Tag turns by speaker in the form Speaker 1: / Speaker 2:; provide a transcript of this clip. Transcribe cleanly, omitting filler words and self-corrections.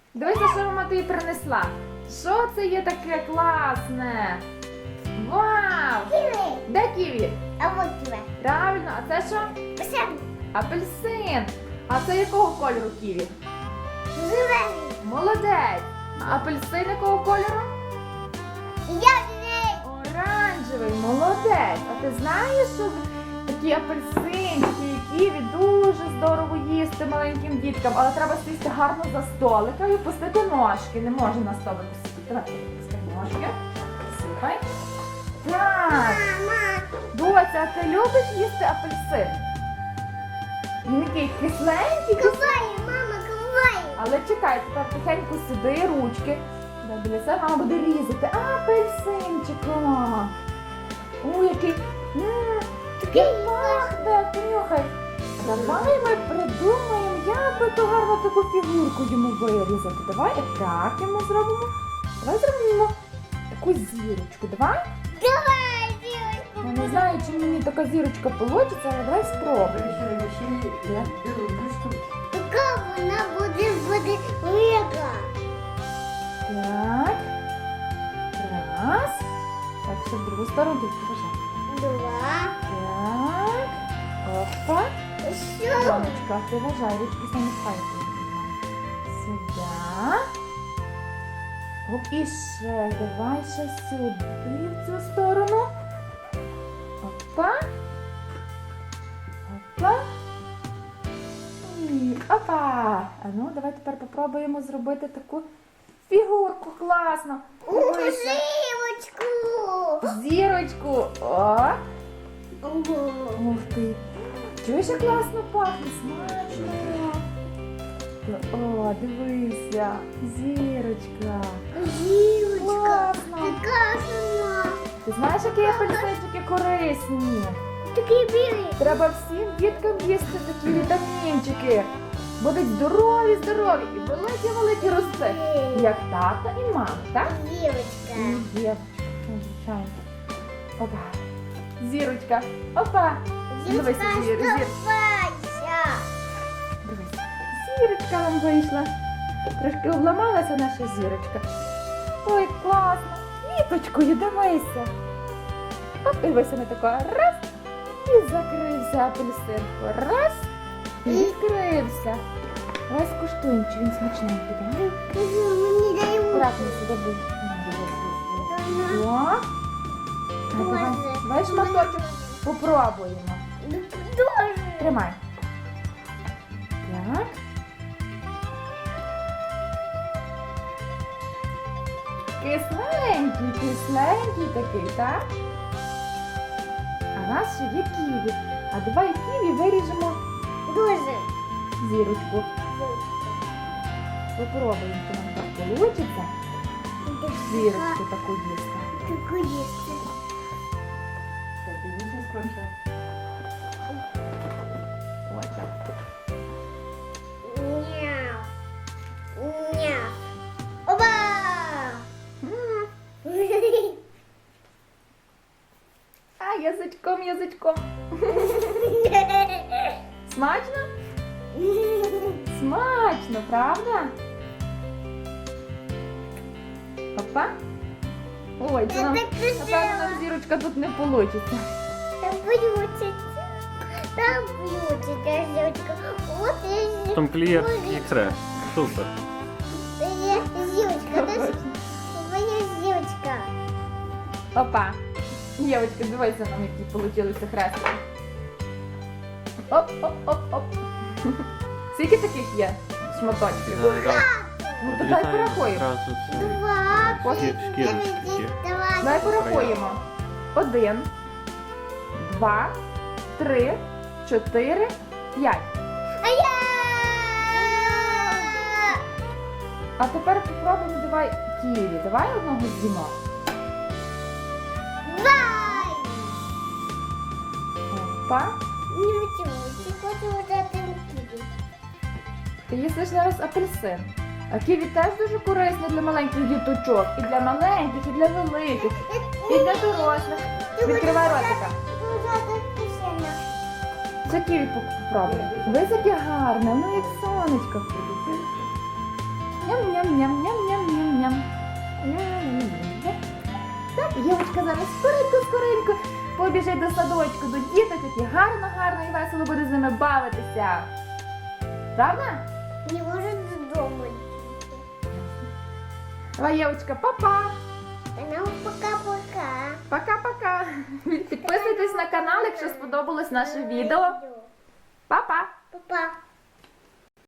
Speaker 1: Дивися, що мама тобі принесла. Що це є таке класне? Вау!
Speaker 2: Ківі.
Speaker 1: Де ківі?
Speaker 2: А вот ківі.
Speaker 1: Правильно, а це що?
Speaker 2: Посадку.
Speaker 1: Апельсин. А це якого кольору ківі?
Speaker 2: Зелений.
Speaker 1: Молодець. А апельсин якого кольору?
Speaker 2: Ягідний.
Speaker 1: Оранжевий, молодець. А ти знаєш, що такі апельсинчики і ківі дуже здорово їсти маленьким діткам, але треба сісти гарно за столика і опустити ножки. Не можна на столику сидіти. Давай, опусти ножки. Супай. Так.
Speaker 2: Мама.
Speaker 1: Доця, а ти любиш їсти апельсин? Він такий кисленький.
Speaker 2: Куває, мама, куває.
Speaker 1: Але чекай, тепер тихенько сиди, ручки. Біля себе мама буде різати. Апельсинчика. Ой, який. Такий пахне, понюхай. Давай ми придумаємо, як би то гарно таку фігурку йому вирізати. Давай так йому зробимо. Давай зробимо таку зірочку. Давай.
Speaker 2: Давай, дівчинку.
Speaker 1: Я не знаю, чи мені така зірочка вийде, але давай спробуємо.
Speaker 2: Така вона буде велика.
Speaker 1: Так. Раз. Так, ще в другу сторону. Покажи.
Speaker 2: Два.
Speaker 1: Так. Опа.
Speaker 2: Що?
Speaker 1: Донечка, ти вважай, ручки самі пальці. Сюди. Оп, і ще. Давай ще сюди, в цю сторону. Опа. Опа. І опа. А ну, давай тепер попробуємо зробити таку фігурку класно. Дивися.
Speaker 2: Зірочку.
Speaker 1: Зірочку. О.
Speaker 2: Ого.
Speaker 1: Ух ти. Чуєш, як класно пахне, смачно. О, дивися, зірочка.
Speaker 2: Зірочка.
Speaker 1: Класно.
Speaker 2: Така сама.
Speaker 1: Ти знаєш, які апельсинчики корисні?
Speaker 2: Такий білий.
Speaker 1: Треба всім діткам їсти такі вітамінчики. Будуть здорові, здорові і великі-великі рости. Як тато і мама, так?
Speaker 2: Зірочка.
Speaker 1: І дівчинка, звичайно. Опа. Зірочка. Опа. Дивися,
Speaker 2: Зірочка,
Speaker 1: зір.
Speaker 2: оставайся.
Speaker 1: Дивись. Зірочка нам вийшла. Трошки обламалася наша зірочка. Ой, класно. Квіточкою, дивися. Оп, і ось вона така раз. І закрився апельсин. Раз. І відкрився. Давай скуштуємо, чи він смачненький. Давай.
Speaker 2: Мені дай
Speaker 1: Аккуратно сюди будь. О.
Speaker 2: Боже.
Speaker 1: Давай шматочок попробуємо.
Speaker 2: Дуже.
Speaker 1: Тримай. Так. Кисленький, кисленький такий, так? А у нас ще є ківі. А давай ківі виріжемо
Speaker 2: Дуже.
Speaker 1: зірочку. Попробуємо, чи нам так вийде. Зірочку таку їсти.
Speaker 2: Таку їсти.
Speaker 1: Ось так.
Speaker 2: Няу. Няу. Оба!
Speaker 1: А, язичком, язичком. Смачно? Смачно, правда? Опа. Ой, це нам, напевно, нам зірочка тут не вийде.
Speaker 2: Там получится. Там получится, зірочка. Вот и
Speaker 3: Там клеєр ікре. Супер.
Speaker 2: зірочка. Это моя зірочка.
Speaker 1: Опа. Дівочка, дивися нам, які получилися хрестики. Оп, оп, оп, оп. Скільки таких є шматочків? Ну, то дай порахуємо.
Speaker 3: Одразу це.
Speaker 2: Два,
Speaker 3: Шкірочки такі.
Speaker 2: давай.
Speaker 1: Давай порахуємо. 1, 2, 3, 4, 5.
Speaker 2: А я!
Speaker 1: А тепер попробуємо, давай ківі. Давай одного з'їмо.
Speaker 2: Давай!
Speaker 1: Опа.
Speaker 2: Не хочу, хочу вот это киви.
Speaker 1: Ти їсиш зараз апельсин. А ківі теж дуже корисне для маленьких діточок. І для маленьких, і для великих, і для дорослих. Відкривай ротика. Це ківі попробуй. Дивись, яке гарне, ну як сонечко. Ням-ням. Ням-ням-ням-ням-ням-ням. Ням-ням-ням-ням. Так, Євочка зараз скоренько побіжить до садочку, до діток, які гарно і весело буде з ними бавитися. Правда?
Speaker 2: Не может дома.
Speaker 1: Давай, Євочка, па-па!
Speaker 2: Ну, пока-пока.
Speaker 1: Пока-пока! Підписуйтесь на канал, якщо сподобалось наше відео. Па-па!
Speaker 2: Папа.